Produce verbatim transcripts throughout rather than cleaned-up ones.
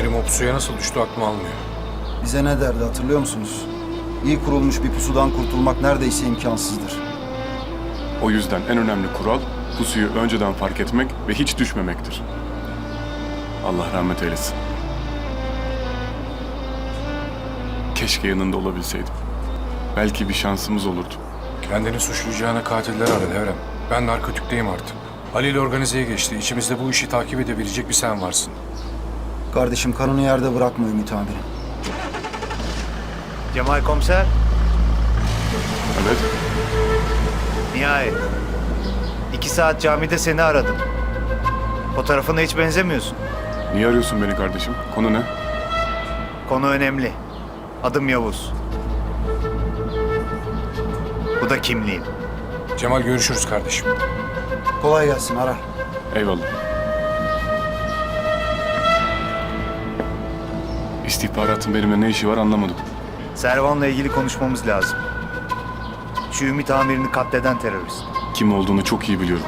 Amirim o pusuya nasıl düştü aklım almıyor. Bize ne derdi hatırlıyor musunuz? İyi kurulmuş bir pusudan kurtulmak neredeyse imkansızdır. O yüzden en önemli kural pusuyu önceden fark etmek ve hiç düşmemektir. Allah rahmet eylesin. Keşke yanında olabilseydim. Belki bir şansımız olurdu. Kendini suçlayacağına katiller ara Devrem. Ben narkotikteyim artık. Halil organizeye geçti. İçimizde bu işi takip edebilecek bir sen varsın. Kardeşim kanını yerde bırakma Ümit amirim. Cemal komiser, Evet, nihayet. İki saat camide seni aradım. Fotoğrafına hiç benzemiyorsun. niye arıyorsun beni kardeşim? Konu ne? Konu önemli. Adım Yavuz. Bu da kimliğim. Cemal görüşürüz kardeşim. Kolay gelsin ara. Eyvallah. İstihbaratın benimle ne işi var anlamadım. Servan'la ilgili konuşmamız lazım. Şu Ümit amirini katleden terörist. Kim olduğunu çok iyi biliyorum.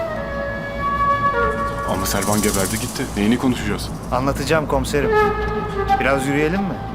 Ama Servan geberdi gitti. Neyini konuşacağız? Anlatacağım komiserim. Biraz yürüyelim mi?